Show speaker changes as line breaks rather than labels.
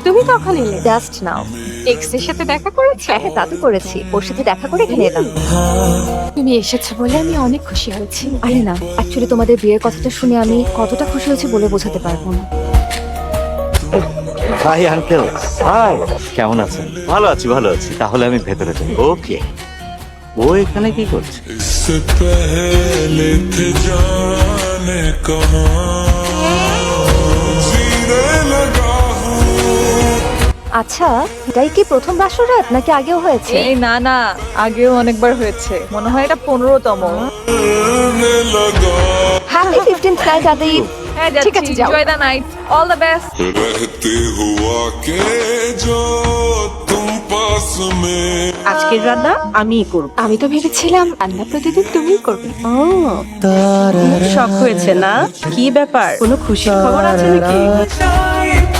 তুমি কখন এলে?
Just now.
এক্স এর সাথে দেখা করেছো?
হ্যাঁ, তা তো করেছি, ওর সাথে দেখা করে এখানে এলাম।
তুমি এসেছো বলে আমি অনেক খুশি হয়েছি।
আরে না, অ্যাকচুয়ালি তোমাদের বিয়ের কথাটা শুনে আমি কতটা খুশি হয়েছি বলে বোঝাতে পারবো না।
Hi uncle. হাই, কেমন আছেন? ভালো আছি, ভালো আছি। তাহলে আমি ভেতরে যাই। ওকে। ও এখানে কি করছে?
इससे पहले थे जाने कहाँ जीने लगा हूँ।
আচ্ছা, এটাই কি প্রথম বাসরাত নাকি আগেও হয়েছে?
এই না না, আগেও অনেকবার হয়েছে, মনে হয় এটা 15তম।
करने लगा
হ্যাপি 15th নাইট আদিব।
হ্যাঁ
ঠিক
যাচ্ছি,
আছে, যাও।
Enjoy the night, all the best.
रहते हुआ के जो तुम पास में
আজকের রান্না আমিই করব।
আমি তো ভেবেছিলাম রান্না প্রতিদিন তুমিই করবে।
ও, খুব শখ হয়েছে না? কি ব্যাপার, কোনো খুশির খবর আছে নাকি?